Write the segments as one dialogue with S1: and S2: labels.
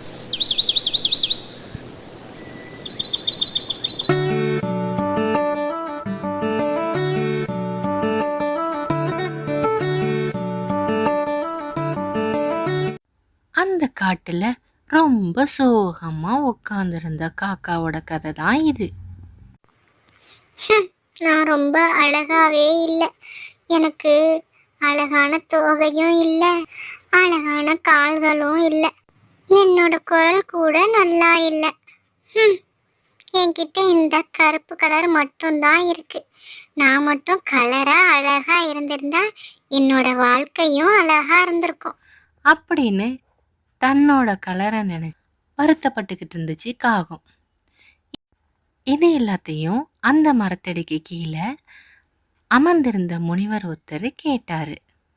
S1: அந்த காட்டுல ரொம்ப சோகமா உட்கார்ந்திருந்த காக்காவோட கதை தான் இது.
S2: நான் ரொம்ப அழகாவே இல்லை. எனக்கு அழகான தோகையும் இல்லை, அழகான கால்களும் இல்லை. என்னோட குரல் கூட நல்லா இல்லை. என்கிட்ட இந்த கருப்பு கலர் மட்டும்தான் இருக்கு. நான் மட்டும் கலரா அழகா இருந்திருந்தா என்னோட வாழ்க்கையும் அழகா இருந்திருக்கும்
S1: அப்படின்னு தன்னோட கலரை நினைச்சு வருத்தப்பட்டுக்கிட்டு இருந்துச்சு காகம். இது எல்லாத்தையும் அந்த மரத்தடிக்கு கீழே அமர்ந்திருந்த முனிவர் ஒருத்தர் கேட்டாரு.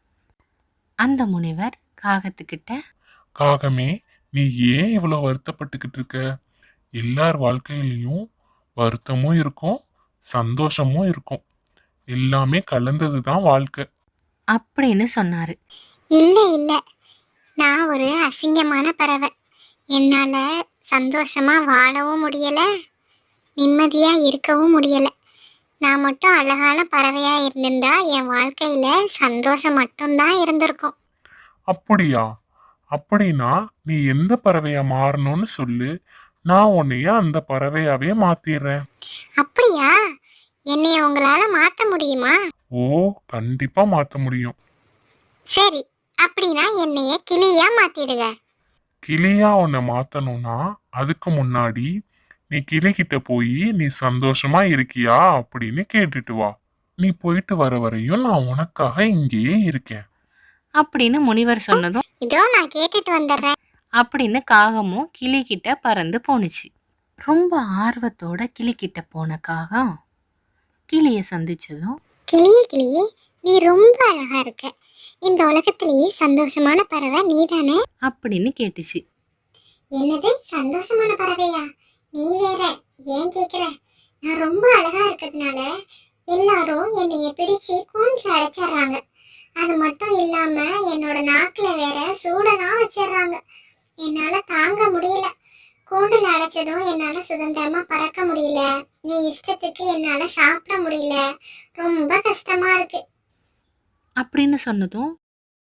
S1: அந்த முனிவர் காகத்துக்கிட்ட,
S3: காகமே, நீ ஏன் இவ்வளவு வருத்தப்பட்டுக்கிட்டு இருக்க? எல்லார் வாழ்க்கையிலையும் வருத்தமும் இருக்கும், சந்தோஷமும் இருக்கும். எல்லாமே கலந்ததுதான் வாழ்க்கை
S1: அப்படின்னு சொன்னாரு.
S2: இல்லை இல்லை, நான் ஒரு அசிங்கமான பறவை. என்னால சந்தோஷமா வாழவும் முடியல, நிம்மதியா இருக்கவும் முடியல. நான் மட்டும் அழகான பறவையா இருந்திருந்தா என் வாழ்க்கையில சந்தோஷம் மட்டும்தான் இருந்திருக்கும்.
S3: அப்படியா? அப்படின்னா நீ எந்த பறவையா மாறணும்னு சொல்லு, நான் உன்னைய அந்த பறவையாவே மாத்திடுறேன்.
S2: அப்படியா? என்னைய உங்களால மாத்த முடியுமா?
S3: ஓ, கண்டிப்பா மாத்த முடியும்.
S2: சரி, அப்படின்னா என்னைய கிளியா மாத்திடுங்க.
S3: கிளியா உன்னை மாத்தணும்னா அதுக்கு முன்னாடி நீ கிளிகிட்ட போய் நீ சந்தோஷமா இருக்கியா அப்படின்னு கேட்டுட்டு வா. நீ போயிட்டு வர வரையும் நான் உனக்காக இங்கேயே இருக்கேன்
S1: அப்படின்னு முனிவர் சொன்னதும்,
S2: இதோ நான் கேட்டுட்டு வந்துடுறேன்
S1: அப்படின்னு காகமும் கிளிகிட்ட பறந்து போணுச்சு. ரொம்ப ஆர்வத்தோட கிளிகிட்ட போன காகம் கிளிய சந்திச்சதும்,
S2: கிளியே கிளியே, நீ ரொம்ப அழகா இருக்க. இந்த உலகத்திலேயே சந்தோஷமான பறவை நீதானே
S1: அப்படின்னு கேட்டுச்சு.
S2: என்னது சந்தோஷமான பறவையா? நீ வேற ஏன் கேக்குற? நான் ரொம்ப அழகா இருக்கிறதுனால எல்லாரும் என்னைய பிடிச்சு கூண்டுல அடைச்சிடுறாங்க. அது மட்டும் இல்லாம என்னோட நாக்குல வேற சூடெல்லாம் வச்சிடுறாங்க. என்னால தாங்க முடியல. கூண்டுல அடைச்சதும் என்னால சுதந்திரமா பறக்க முடியல. நீ இஷ்டத்துக்கு என்னால சாப்பிட முடியல. ரொம்ப கஷ்டமா இருக்கு
S1: அப்படின்னு சொன்னதும்,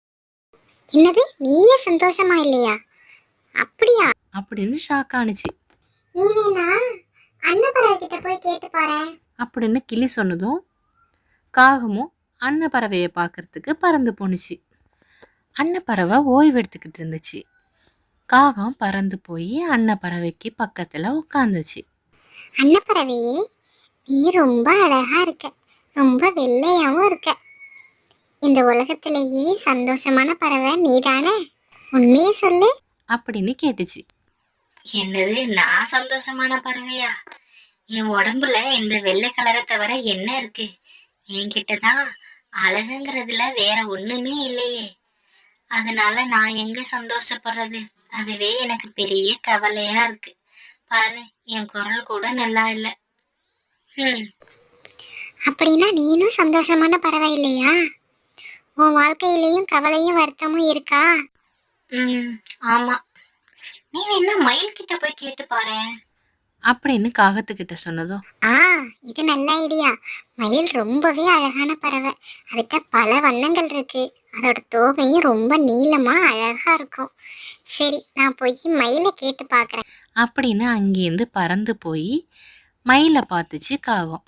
S2: என்னது நீயே சந்தோஷமா இல்லையா? அப்படியா?
S1: அப்படின்னு ஷாக் ஆனுச்சு.
S2: நீ வேணா அன்னப்பறவை கிட்ட போய் கேட்டு பாரு
S1: அப்படின்னு கிளி சொன்னதும் காகமும் அன்னப்பறவையை பார்க்கறதுக்கு பறந்து போணுச்சு. அன்னப்பறவை ஓய்வு எடுத்துக்கிட்டு இருந்துச்சு. காகம் பறந்து போய் அன்னப்பறவைக்கு பக்கத்துல உட்காந்துச்சு.
S2: அன்னப்பறவையே, நீ ரொம்ப அழகா இருக்க, ரொம்ப வெள்ளையாவும் இருக்க. இந்த உலகத்திலேயே சந்தோஷமான பறவை நீதானே? உண்மையே சொல்லு
S1: அப்படின்னு கேட்டுச்சு. என்னது, நான் சந்தோஷமான பறவையா? என் உடம்புல இந்த வெள்ளை கலரை தவிர என்ன இருக்கு? என்கிட்டதான் அழகுங்கிறதுல வேற ஒண்ணுமே இல்லையே. அதனால நான் எங்க சந்தோஷப்படுறது? அதுவே எனக்கு பெரிய கவலையா இருக்கு. பாரு, என் குரல் கூட நல்லா இல்லை.
S2: அப்படின்னா நீனும் சந்தோஷமான பறவை இல்லையா? உன் வாழ்க்கையிலையும் கவலையும் வருத்தமும் இருக்கா?
S1: ஆமா. நீ வேணா மயில் கிட்ட போய் கேட்டு பாரு அப்படின்னு காகத்துக்கிட்ட சொன்னதும்,
S2: இது நல்ல ஐடியா. மயில் ரொம்பவே அழகான பறவை. அதுகிட்ட பல வண்ணங்கள் இருக்கு. அதோட தோகையும் ரொம்ப நீளமா அழகா இருக்கும். சரி, நான் போய் மயிலை கேட்டு பாக்குறேன்
S1: அப்படின்னு அங்கேருந்து பறந்து போய் மயிலை பார்த்துச்சு காகம்.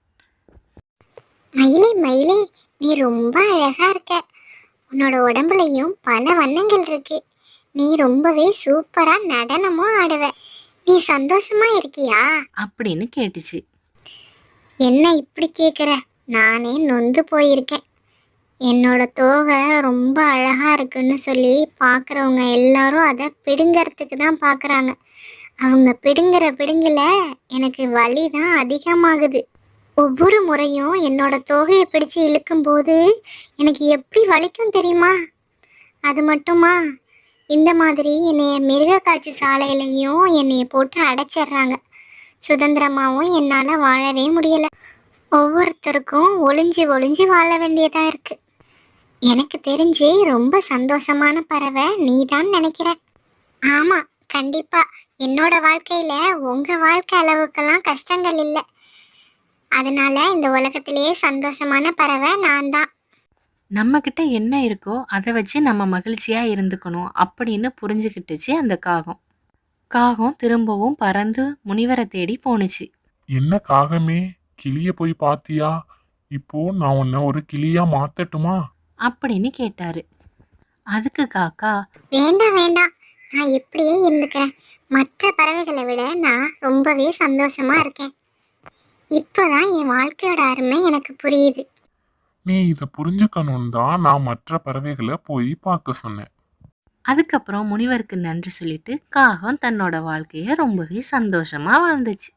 S2: மயிலே மயிலே, நீ ரொம்ப அழகா இருக்க. உன்னோட உடம்புலையும் பல வண்ணங்கள் இருக்கு. நீ ரொம்பவே சூப்பரா நடனமும் ஆடுவ. நீ சந்தோஷமா இருக்கியா
S1: அப்படின்னு கேட்டுச்சு.
S2: என்ன இப்படி கேக்குற? நானே நொந்து போயிருக்கேன். என்னோட தோகை ரொம்ப அழகா இருக்குன்னு சொல்லி பார்க்குறவங்க எல்லாரும் அதை பிடுங்கிறதுக்கு தான் பார்க்குறாங்க. அவங்க பிடுங்குல எனக்கு வலி தான் அதிகமாகுது. ஒவ்வொரு முறையும் என்னோட தோகையை பிடிச்சு இழுக்கும்போது எனக்கு எப்படி வலிக்கும் தெரியுமா? அது மட்டுமா, இந்த மாதிரி என்னைய மிருக காட்சி சாலையிலையும் என்னைய போட்டு அடைச்சிடுறாங்க. சுதந்திரமாகவும் என்னால் வாழவே முடியலை. ஒவ்வொருத்தருக்கும் ஒளிஞ்சு ஒளிஞ்சு வாழ வேண்டியதாக இருக்குது. எனக்கு தெரிஞ்சு ரொம்ப சந்தோஷமான பறவை நீ தான் நினைக்கிறேன். ஆமாம், கண்டிப்பா என்னோட வாழ்க்கையில உங்க வாழ்க்கை அளவுக்கெல்லாம் கஷ்டங்கள் இல்லை. அதனால இந்த உலகத்திலேயே சந்தோஷமான பறவை நான் தான்.
S1: நம்ம கிட்ட என்ன இருக்கோ அதை வச்சு நம்ம மகிழ்ச்சியா இருந்துக்கணும் அப்படின்னு புரிஞ்சுக்கிட்டுச்சு அந்த காகம். காகம் திரும்பவும் பறந்து முனிவரை தேடி போணுச்சு.
S3: என்ன காகமே, கிளிய போய் பாத்தியா? இப்போ நான் உன்னை ஒரு கிளியா மாத்தட்டுமா?
S1: அப்படின்னு கேட்டாரு. அதுக்கு காக்கா,
S2: வேண்டாம் வேண்டாம், நான் இப்படியே இருந்துக்கிறேன். மற்ற பறவைகளை விட நான் ரொம்பவே சந்தோஷமா இருக்கேன். இப்போதான் என் வாழ்க்கையோட அருமை எனக்கு புரியுது.
S3: நீ இதை புரிஞ்சுக்கணும் தான் நான் மற்ற பறவைகளை போய் பார்க்க சொன்னேன்.
S1: அதுக்கப்புறம் முனிவருக்கு நன்றி சொல்லிட்டு காகம் தன்னோட வாழ்க்கைய ரொம்பவே சந்தோஷமா வாழ்ந்துச்சு.